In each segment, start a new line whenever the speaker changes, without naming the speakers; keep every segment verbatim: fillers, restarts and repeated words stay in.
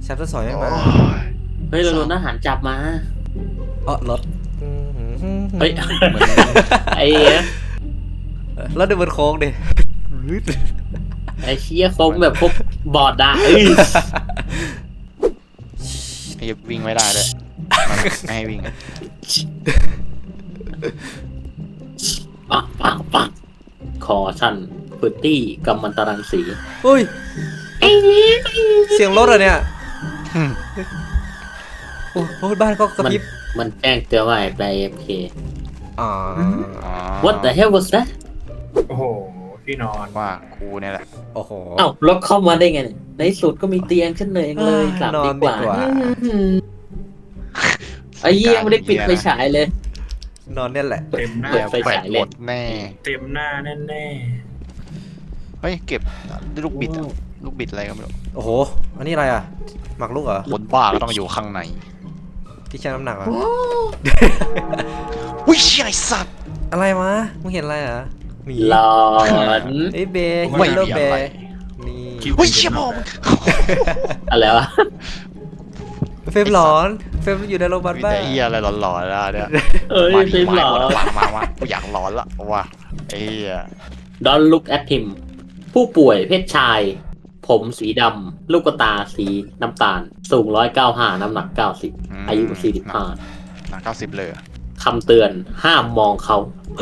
แชปเตอร์สองยังมา
เฮ้ยเราโดนทหารจับมา
เออรถ
เฮ้ยไอ้เนี้ย
รถเดินบนโค้งดิ
ไอ้เชี่ยโค้งแบบพวกบอดด่า
ไอ้วิ่งไม่ได้เลยไม่ให้วิ่ง
ปังปังปังคอชันพื้นที่กำมันตรังสี
เฮ้ยเสียงรถอะเนี่ยโอ้โหบ้านก็กระพริบ
มันแจ้งเตือนว่าไป เอ เอฟ เค
อ๋อ
What the hell was that
โอ้โหที่นอน
ว่ากูเนี่ยแหละ
โอ้โห
เอ้ารถเข้ามาได้ไงในสุดก็มีเตียงฉันเลยเลยกลับดีกว่าไอ้เหี้ยไม่ได้ปิดไฟฉายเลย
นอนเนี่ยแหละ
เต็มหน้า
ไฟฉายเลย
แน่
เต็มหน้าแน่แน่
เฮ้ยเก็บลูกบิดลูกบิดอะไรก็ไม่รู้
โอ้โหอันนี้อะไรอ่ะหมักลูกเหรอ
คนบ้าก็ต้องอยู่ข้างใน
ที่ชั่งน้ำหนักอ่ะ
อุ้ยไอ้สัตว์
อะไรมามึงเห็นอะไรอ่ะมี
หลอน
ไอ้เบย์
ไม่มีอะไร
นี่
อุ้ยเชี่ยพ่อมึง
อะไรวะ
เฟรมหลอนเฟรมอยู่ในโรงพยาบาลบ้า
ไอ้เหี้ยอะไรหลอนๆแล้วเนี่ย
เอ้ยเฟรมหลอน
มามามากูอยากหลอนละว่ะไอ้เหี้ย
Don't look at him ผู้ป่วยเพศชายผมสีดำลูกตาสีน้ำตาลสูงร้อยเก้าห้าน้ำหนักเก้าสิบอายุสี่สิบห้า
หนักเก้าสิบเลย
คำเตือนห้ามมองเขา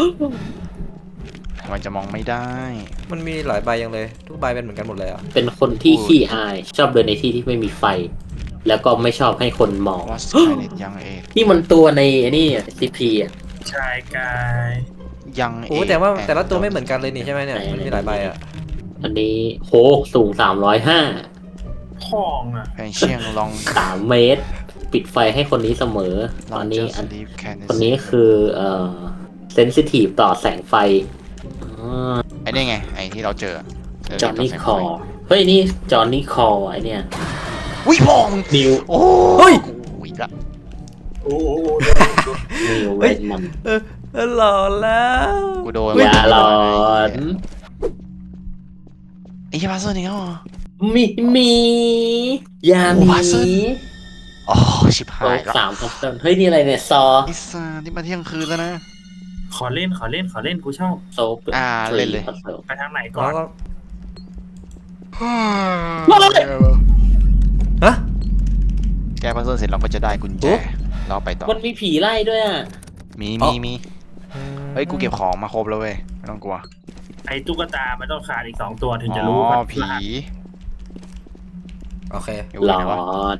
มันจะมองไม่ได้
มันมีหลายใบยังเลยทุกใบเป็นเหมือนกันหมดเลยอ่ะ
เป็นคนที่ขี้อายชอบเดินในที่ที่ไม่มีไฟแล้วก็ไม่ชอบให้คนมอง
ยังเอ
นี่มันตัวในนี่ซีพีอ่ะ
ชายกาย
ยัง
โอ้แต่ว่าแต่ละตัวไม่เหมือนกันเลยนี่ใช่ไหมเนี่ยมันมีหลายใบอ่ะ
อันนี้โหสูงสามร้อยห้า
ทองอ่ะ
แพนเชียงลอง
สามเมตรปิดไฟให้คนนี้เสมอตอนนี้อันคนนี้คือเอ่อเซนซิทีฟต่อแสงไฟ
ไอ้นี่ไงไอ้ที่เราเจอ
จอห์นนี่คอเฮ้ยนี่จอห์นนี่คอไอเนี่ย
วิพอง
นิว
โอ้
เฮ้ย
อีกละ
โอ้โห
นิวเวทมัน
เออหลอนแล้ว
กูโดน
อย่าหลอน
ไอ้ยาบาเซอร์นี่เขา
มีมียามี
อ๋อชิบหาย
แล้วสามคอมเตอร์เฮ้ยนี่อะไรเนี่ยซอ
ไอ้ซ่าที่มาเที่ยงคืนแล้วนะ
ขอเล่นขอเล่นขอเล่นกูชอบ
โซฟ
อ่าเล่นเลย
ไปทางไหนก่อน
ฮะ
แกพัซเซิลเสร็จเราก็จะได้กุญแจเราไปต่อ
มันมีผีไล่ด้วยอ่ะ
มีมีมีเฮ้ยกูเก็บของมาครบแล้วเว้ยไม่ต้องกลัว
ไอ้ตุ๊กตามันต้องขาดอีกสองตัวถึงจะรู้
ว่าผี
โอเค
หลอน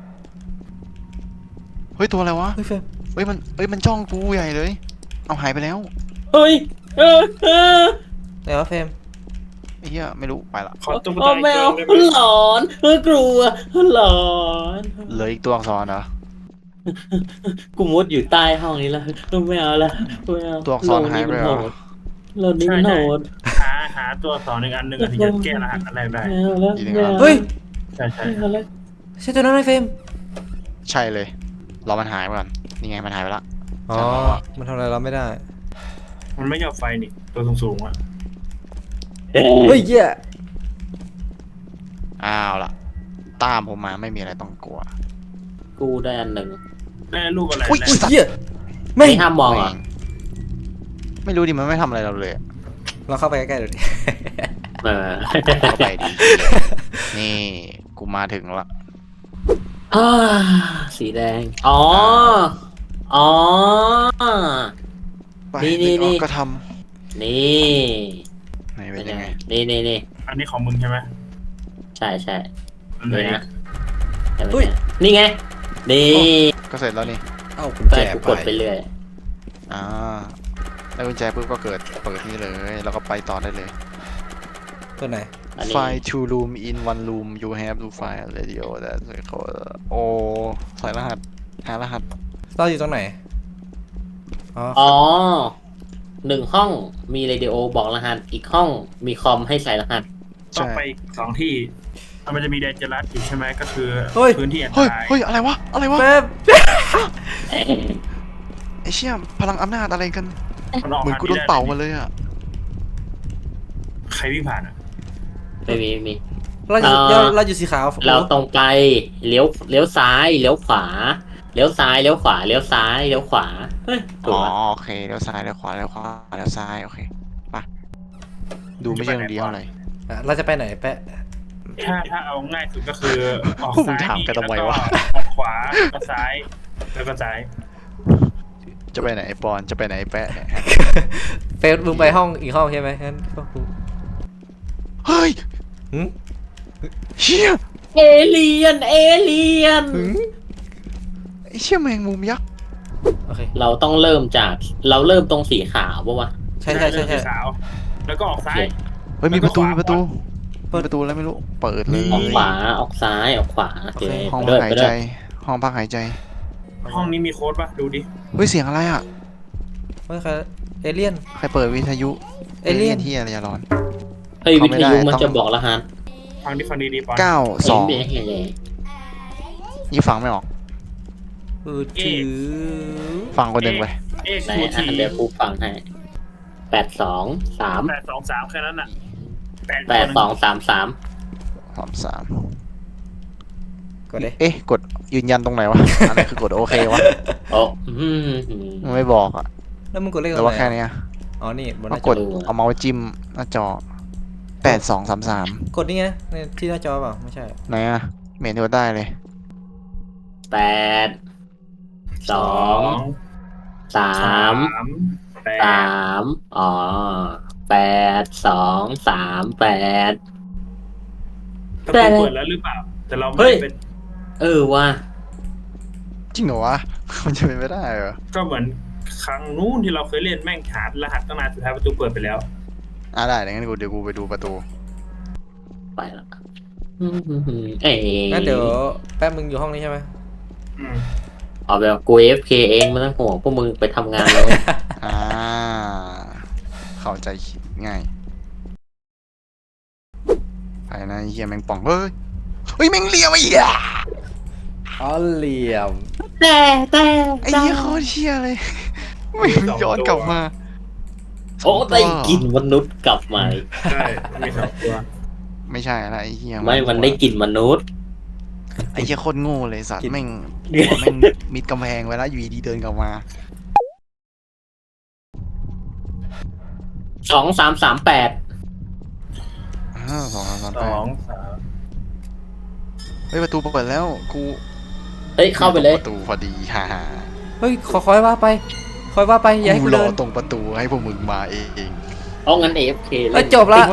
เฮ้ยตัวอะไรวะ
เฮ้ยเฟรม
เฮ้ยมันเฮ้ยมันจ้องกูใหญ่เลยเอาหายไปแล้ว
เฮ้ยเออเออ
ไหนวะเฟรม
ไอ้เหี้ยไม่รู้ไปละ
ขอตุ๊ก
ตาแมวหลอนเออกลัวหลอน
เหลืออีกตัวอักษรเหรอ
กูมุดอยู่ใต้ห้องนี้แล้วไม่เอาละไม่เอา
ตัวอักษรหายไปแล้ว
เราดิ้นโหด
หาหาตัวสองหนึ่งอันหนึ่งถึงจะแก้รหัสอะไรได้
เฮ้ย
ใช่ใช่
ใช่ตัวนั้นไหมเฟรม
ใช่เลยรอมันหายก่อนนี่ไงมันหายไปละ
อ๋อมันทำอะไรเราไม่ได้
มันไม่ยอมไฟนี่ตัวสูงๆอ่ะ
เฮ้ยเหี้ย
อ้าวล่ะตามผมมาไม่มีอะไรต้องกลัว
กูได้อันหนึ่ง
ได้ลูกอะไร
อุ้ยเหี้ย
ไม่ห้ามมองอ่ะ
ไม่รู้ดิมันไม่ทำอะไรเราเลย
เราเข้าไปใกล้ๆดูดิ
เออ
เข้าไปดินี่กูมาถึงละ
สีแดงอ๋ออ๋อนี่นี่นี่
ก็ท
ำนี่
ไหนเป็นยังไง
นี่นี่นี่
อันนี้ของมึงใช่ไหม
ใช่ใช่
นี่
นะนี่ไงนี่
ก็เสร็จแล้วนี่
เอ้ากุญแจ
กดไปเรื่อย
อ่าแล้วกุญแจปุ๊บก็เกิดเปิดนี่เลยแล้วก็ไปต่อได้เลย
ตัวไหน
Find two room in one room you have to find a radio thatโอ้ใส่รหัสหารหัส
เราอยู่ตรงไหน
อ๋อหนึ่งห้องมีเรดิโอบอกรหัสอีกห้องมีคอมให้ใส่รหัส
ต้องไปสองที่มันจะมีเดนเจอรัสอยู่ใช่ไหมก็คือพื้นที่อันต
รายเฮ้ยอะไรวะอะไรวะไอเชี่ยพลังอำนาจอะไรกันเหมือนกูโดนเป่ามาเลยอ่ะ
ใครวิ่งผ่านอ่ะ
ไม่มีไม่มี
เราอยู่
เอ่อ
เราอยู่สีขาว
เราตรงไปเลี้ยวเลี้ยวซ้ายเลี้ยวขวาเลี้ยวซ้ายเลี้ยวขวาเลี้ยวซ้ายเลี้ยวขวาเฮ้ยถู
อ๋
ก
อ
ปะ
โอเคเลี้ยวซ้ายเลี้ยวขวาเลี้ยวขวาเลี้ยวซ้ายโอเคไปดูไม่เชิงดีเท่าไหร่
อ่ะเราจะไปไหนแปะ
ถ้าถ้าเอาง่ายสุดก็คือออก
พวกมึ
ซ้าง ย
ถาม
นี่
กัน
แล้ว
ทำไม
ก็
วะ
ออกขวาแล้วก็ซ้ายแล้วก็ซ้าย
จะไปไหนไอ้ปอนจะไปไหนไอ้แปะเนี่ย
เฟซมึงไปห้องอีกห้องใช่ไหมงั้นก็กู
เฮ้ย
หืม
เชี่ย
เอเลียนเอเลียน
หืม
ไอ้เชี่ยแมงมุมยักษ์
โอเค
เราต้องเริ่มจากเราเริ่มตรงสีขาวปะวะ
ใช่ใช่ใช่ใช่
สีขาวแล้วก็ออกซ้าย
เฮ้ยมีประตูมีประตู
เปิด
มีประตูแล้วไม่รู้เปิดเลย
ออกขวาออกซ้ายออกขวาโอเค
ห้อง
ไป
พั
ด้วยไป
กหายใจ
ด้วย
ห้องพักหายใจ
ห้องนี้มีโค้ดปะดูดิ
เฮ้ยเสียงอะไรอ่ะ
เฮ้ยใครเอเลี่ยน
ใครเปิดวิทยุ
เอเลี่ยน
ที่อะไรอย่าร้อน
เฮ้ย
เข้า
วิ
ไม่
ท
ได้
ยุมัน
ต้อง
จะบอกรหัส
ฟังดิฟังดีๆปอน
เก้าสอง
เห็นไหมเห็นเลย
ยี่ฟังไม่ออก
เออถือ
ฟังคนหนึ่งไป
เอ็กซ์
ไหน
ทู
อ่ะ
ที
เดี๋ยวกูฟังให้แปดสองสาม
แปดสองสามแค่นั้นอ่ะ
แปดสองสามสาม
สามสาม
กดเลย
เอ๊ะกดยืนยันตรงไหนวะ อันไหนคือกดโอเควะ
โอ้อืม
มันไม่บอกอ่ะ
แล้วมึงกดเลข
ห
ต
รื
ร
อง ว่า
ไหน
แค่เนี้ย
อ๋อนี่บนห
ก็
น้าก จอ
ดเอาเมาส์จิ้มหน้าจอแปดสองสามสาม
กดนี่ไงในที่หน้าจอเปล่าไม่ใช่
ไหนอ่ะเมนูได้เลย
แปดสองสาม
แป
สา
ด
มอ๋อแปดสองสามแปด
ประตูเปิดแล้วหรือเปล่า แต่เรา
เฮ้
ไม่
ย
เป็น
เออว่ะ
จริงเหรอวะ มันจะเป็นไม่ได้เหรอ
ก็เหมือนครั้งนู้นที่เราเคยเล่นแม่งหารหัสตั้งนานสุดท้ายประตูเปิดไปแล้ว
อ่ะได้เดี๋ยวงั้นกูเดี๋ยวกูไปดูประตู
ไปละอืมเอ้ย
งั้นเดี๋ยวแป๊บมึงอยู่ห้องนี้ใช่ไหม
อืม
เอาแบบกู เอฟ เค เองไม่ต้องห่วงพวกมึงไปทำงานเลย
อ่าเข้าใจง่ายไปนะไอ้เฮียแมงป่องเฮ้ยเฮ้ยแมงเลียมไอ้เหี้ย
อ๋อเหลี่ยม
แต่แต่
ไอ้เหี้ยโคตรเชี่ยเลยไม่ย้อนกลับมา
โอ้ได้กลินมนุษย์กลับมา
ใช่มีสองตัว
ไม่ใช่ละไอ้เหี้ย
ไม่มันได้กลินมนุษย์
ไอ้เหี้ยโคตรโง่เลยสัตว์
กิน
แม่งหัวแม่งมิดกำแพงไว้แล้วอยู่ดีๆเดินกลับมา
สองสามสามแปด
อ้าวสองสามสาม
ส
แปด
องสาม
เฮ้ยประตูเปิดแล้วกู
เฮ้ยเข้าไปเลย
ประตูพอดีฮ่าฮ่า
เฮ้ยขอคอยว่าไปคอยว่าไปอย่าให้
กู
กู
รอ
เดิน
ตรงประตูให้พวกมึงมาเอง
เอางั้น เอฟ เค
เอ้ยจบละ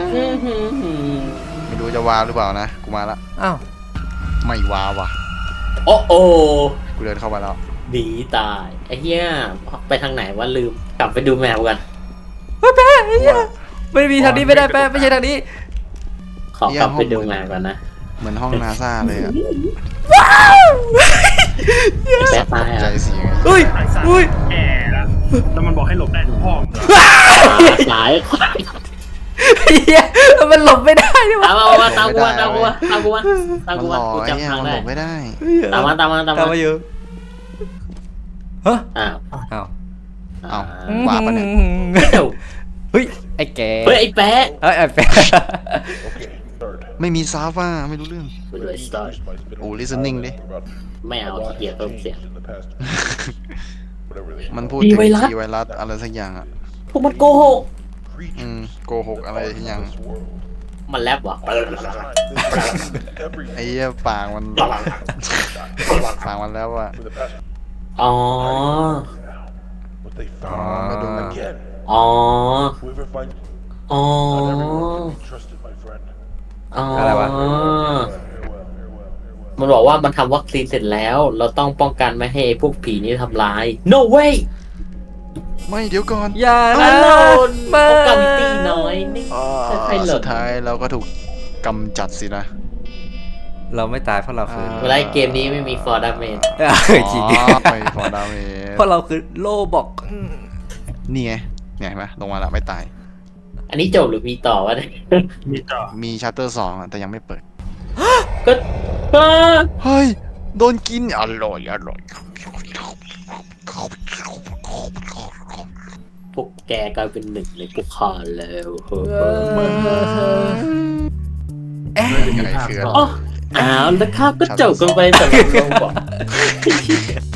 ไม่รู้จะวาหรือเปล่านะกูมาละ
อ้าว
ไม่วาว่ะ
โอ้โอ
กูเดินเข้ามาแล้ว
ดีตายไอ้เหี้ยไปทางไหนวะลืมกลับไปดูแมวกัน
เฮ้ยแป๊ะไอ้เหี้ยไม่มีทางนี้ไม่ได้แป๊ะไม่ใช่ทางนี้
ขอกลับไปดูแมวกันนะ
เหมือนห้องนาซาเลยอะ
แป๊ะตาย
ใจ
อ่ะ
เสียง
เฮ้ย
ไอ้สัตว์
เฮ้ย
แก่ละแล้วมันบอกให้หลบได้ทุกห้องเหรอ
สาย
เหี้ยมันหลบไม่ได้ดิวะ
ตามมาตามกูมาตามกูมาตามกูมาตาม
มัน
กู
ห
มา
ล่อ
กู
ไอ้เนี่ย
จำทาง
มัน
ได้
หลบไม่ได้
ตามมาตามมาตาม
ตาม
มา
มาอยู่ฮะ
อ้าว
อ้าว
เอ้า ว่าปะเนี่ย
เดี๋ยว
เฮ้ยไอ้แก
เฮ้ยไอ้แป๊ะ
เฮ้ยไอ้แปะ
ไม่มีซาฟ่าไม่รู้เรื่อง
ไปดูไอ้สตอร์
โอ้ listening ดิ
ไม่เอาขี้เกียจเพิ่มเสียง
มันพูด
มี
ถึง
ไวรัส
ทีไวรัสอะไรสักอย่างอ่ะ
พวกมันโกหก
อืมโกหกอะไรสักอย่าง
มันแลบวะ
ไอ้เหี้ยปากมันปากมันแล้วอ่ะ
อ๋อ
อ๋อมาดูมัน
อ๋อ อ๋อ อ๋อ
อะไรวะ
มันบอกว่ามันทำวัคซีนเสร็จแล้ว เราต้องป้องกันไม่ให้พวกผีนี้ทำร้าย no way
ไม่เดี๋ยวก่อน
อย่า
ฮั
นะ
ลโหล
ไม่
เอากาวิตี้น้อยนี่
อ่า
ใครหล่
สุ
น
ดท้ายเราก็ถูกกำจัดสินะ
เราไม่ตายเพราะเราคือ
อ่า
เวลาเกมนี้ไม่มีฟอร์ดาเมน
เออจริง
อ๋อไปฟอร์ดาเม
เพราะเราคือโลบอก
นี่ไงเนี่ยเห็นไหมลงมาแล้วไม่ตาย
อันนี้จบหรือมีต่อวะเนี่ย
มีต่อ
มีชัตเตอร์สองอะแต่ยังไม่เปิด
ก็ก็
เฮ้ย โดนกิน อร่อย อร่อย
พวกแกกลายเป็นหนึ่งเลยพวกข้าแล้วเฮ้ย
เออ
น่าจะมีภาพ
คือ
ต่อ
อ๋ออ้าวแล้วครับก็จบกันไปสำหรับโรบอท